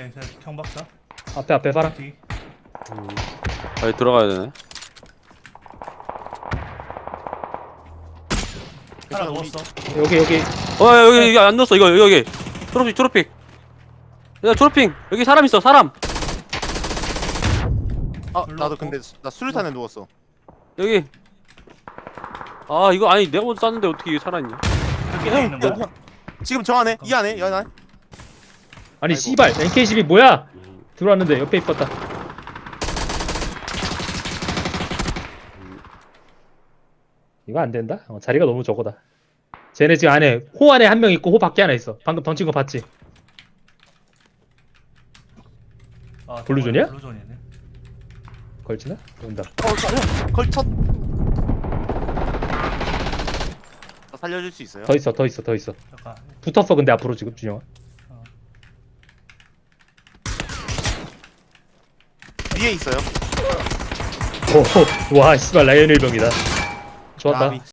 앞에 경박사. 앞에 봐라. 뒤. 여기 들어가야 되네. 하나 우리- 누웠어. 여기 여기 안 넣었어. 이거 여기. 초록핑. 야 초록핑. 여기 사람 있어. 사람. 아 불렀고. 나도 근데 나 수류탄에 누웠어. 여기. 아 이거 아니 내가 먼저 쐈는데 어떻게 살아있냐? 여기 있는 거야. 지금 저 안에 이 안에 이 안에. 아니 아이고. 씨발 NK12 뭐야? 들어왔는데 옆에 있었다. 이거 안 된다? 자리가 너무 적어다. 쟤네 지금 안에 호 안에 한 명 있고 호 밖에 하나 있어. 방금 던진 거 봤지? 아, 블루존이야? 블루존이네. 걸치나? 온다. 걸쳤. 살려줄 수 있어요? 더 있어. 잠깐. 붙었어 근데 앞으로 지금 준영아. 위에 있어요. 오, 와 씨발 라이언 일병이다. 좋았다. 나비.